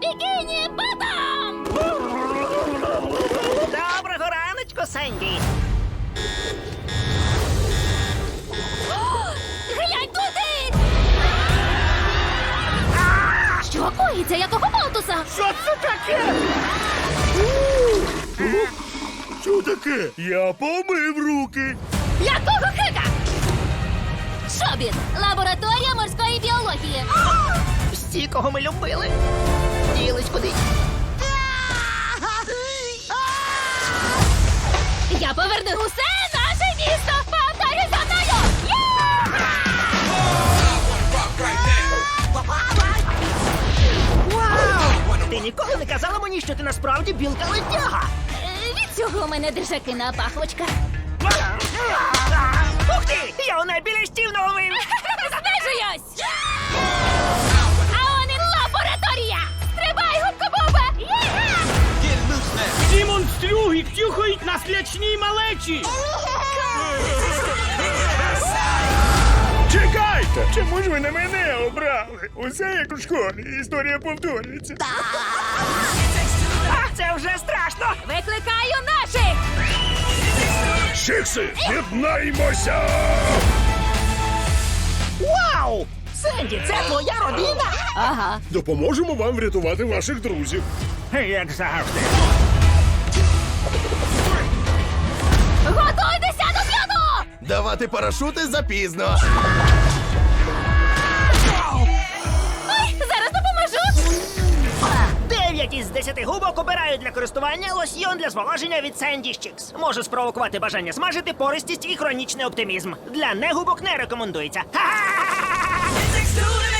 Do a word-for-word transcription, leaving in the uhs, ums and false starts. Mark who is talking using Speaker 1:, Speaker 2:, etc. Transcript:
Speaker 1: Бікіні Ботом!
Speaker 2: Доброго раночку, Сенді.
Speaker 1: Глянь туди! Що коїться? Якого болтуса?
Speaker 2: Що це таке?
Speaker 3: Що таке? Я помив руки.
Speaker 1: Якого хика? Шобіт! Лабораторія морської біології.
Speaker 2: Всі, кого ми любили, ділись кудись.
Speaker 1: Я поверну усе наше місто! Повторюй за мною!
Speaker 2: Вау! Ти ніколи не казала мені, що ти насправді білка-летяга.
Speaker 1: Е, Від цього у мене держаки пахвочка.
Speaker 2: Ух ти! Я у найбільш наловив!
Speaker 1: Знижуюсь! А он і лабораторія! Стрибай, губка-бубе!
Speaker 4: Ці монстрюги тюхають на слячній малечі!
Speaker 3: Чекайте! Чому ж ви на мене обрали? Усе як у школі. Історія повторюється.
Speaker 2: А, це вже страшно!
Speaker 1: Викликаю наших!
Speaker 3: Шикси, єднаймося!
Speaker 2: Вау! Сенді, це твоя родина?
Speaker 1: Ага.
Speaker 3: Допоможемо вам врятувати ваших друзів.
Speaker 2: Як завжди.
Speaker 1: Готуйтеся до п'яну!
Speaker 5: Давати парашути запізно.
Speaker 1: Ой, зараз допоможу!
Speaker 2: Дев'ять із десяти губок обирають для користування лосьйон для зволоження від Sandy Chicks. Може спровокувати бажання смажити, пористість і хронічний оптимізм. Для негубок не рекомендується. Ха-ха-ха-ха-ха!